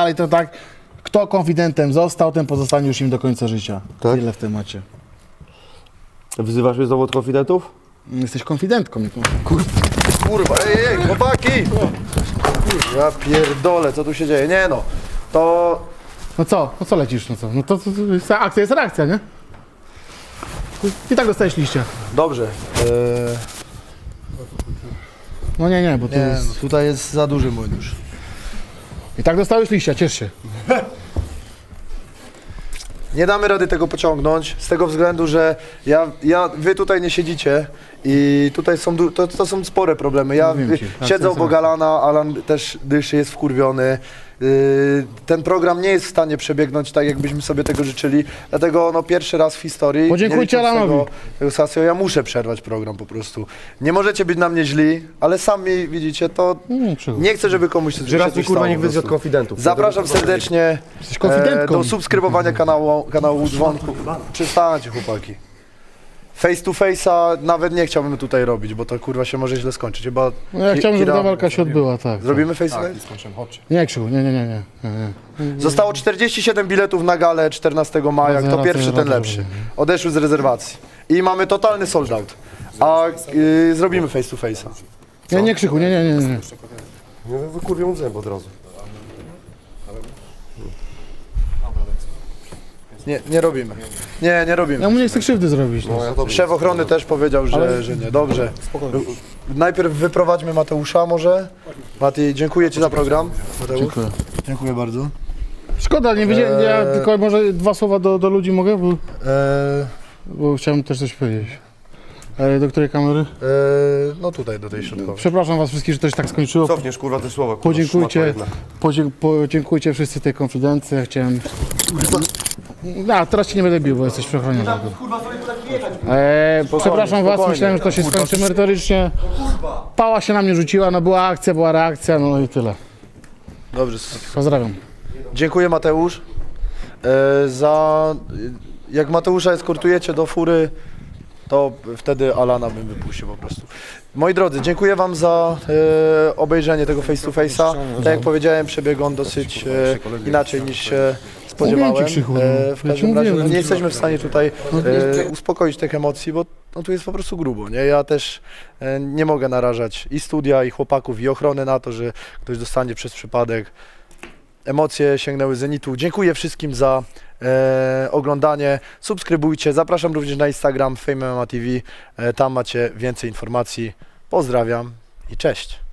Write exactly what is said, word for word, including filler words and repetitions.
dalej, to tak, kto konfidentem został, ten pozostanie już im do końca życia. Tak? Tyle w temacie. Wzywasz mnie znowu od konfidentów? Jesteś konfidentką. Nie Kurwa, ej, ej, chłopaki! Ja pierdolę, co tu się dzieje? Nie no, to... No co? No co lecisz? No co? No to, to, to jest akcja jest reakcja, nie? I tak dostajesz liście. Dobrze. Eee, No nie, nie, bo to nie, jest... no, tutaj jest za duży młyn już. I tak dostałeś liścia, ciesz się. Nie damy rady tego pociągnąć, z tego względu, że ja, ja, wy tutaj nie siedzicie i tutaj są, du- to, to są spore problemy. Ja Mówiłem ci, y, akcja siedzę jest obok reakcja. Alana, Alan też dyszy, jest wkurwiony. Yy, ten program nie jest w stanie przebiegnąć tak, jakbyśmy sobie tego życzyli, dlatego no, pierwszy raz w historii, Podziękujcie nie licząc Alanowi. tego, tego Sasio, ja muszę przerwać program po prostu. Nie możecie być na mnie źli, ale sami widzicie, to Nie, przygód. nie chcę, żeby komuś coś Że raz się mi coś kurwa stało niech po wyjdzie od prostu. konfidentów. Zapraszam serdecznie Jesteś konfidentką. e, do subskrybowania kanału, kanału Dzwonku. Przestańcie, chłopaki. Face to face'a nawet nie chciałbym tutaj robić, bo to kurwa się może źle skończyć. Chyba No ja ki- chciałbym, żeby kira- ta walka się odbyła, tak. Zrobimy face to face? Nie, Krzyku, nie, nie, nie, nie. nie, nie. Zostało czterdzieści siedem biletów na galę czternastego maja. Kto Racja, pierwszy, ten racja, lepszy. racja. Odeszły z rezerwacji. I mamy totalny sold out. A y, zrobimy face to face'a. Nie, nie, Krzyku, nie, nie, nie, nie. No wykurwię mu zęb od razu. Nie, nie robimy. Nie, nie robimy. Ja mu nie chcę krzywdy zrobić. No. No ja to Szef ochrony też powiedział, że, że nie. Dobrze. Najpierw wyprowadźmy Mateusza może. Mati, dziękuję Ci za program. Mateusz. Dziękuję. Dziękuję bardzo. Szkoda, nie wiedziałem, ja Eee. tylko może dwa słowa do, do ludzi mogę, bo, Eee, bo chciałem też coś powiedzieć. E, do której kamery? eee, no tutaj, do tej środkowej. Przepraszam was wszystkich, że to się tak skończyło. Cofniesz kurwa te słowa. Kurwa, Podziękujcie, szmato jedna. podzie, podziękujcie wszyscy tej konfidencji, ja chciałem... No, teraz ci nie będę bił, bo jesteś przechroniony. E, przepraszam was, myślałem, że to się skończy merytorycznie. Pała się na mnie rzuciła, no była akcja, była reakcja, no i tyle. Dobrze. Pozdrawiam. Dziękuję Mateusz. Eee, za... Jak Mateusza eskortujecie do fury, to wtedy Alana bym wypuścił po prostu. Moi drodzy, dziękuję Wam za e, obejrzenie tego face to face'a. Tak jak powiedziałem, przebiegł on dosyć e, inaczej niż się spodziewałem. Mówiłem ci, Krzychu, no. E, w Ja ci każdym razie no, mówiłem. nie jesteśmy w stanie tutaj e, uspokoić tych emocji, bo no, tu jest po prostu grubo. Nie? Ja też e, nie mogę narażać i studia, i chłopaków, i ochrony na to, że ktoś dostanie przez przypadek. Emocje sięgnęły zenitu. Dziękuję wszystkim za e, oglądanie. Subskrybujcie. Zapraszam również na Instagram Fame M M A T V. E, tam macie więcej informacji. Pozdrawiam i cześć.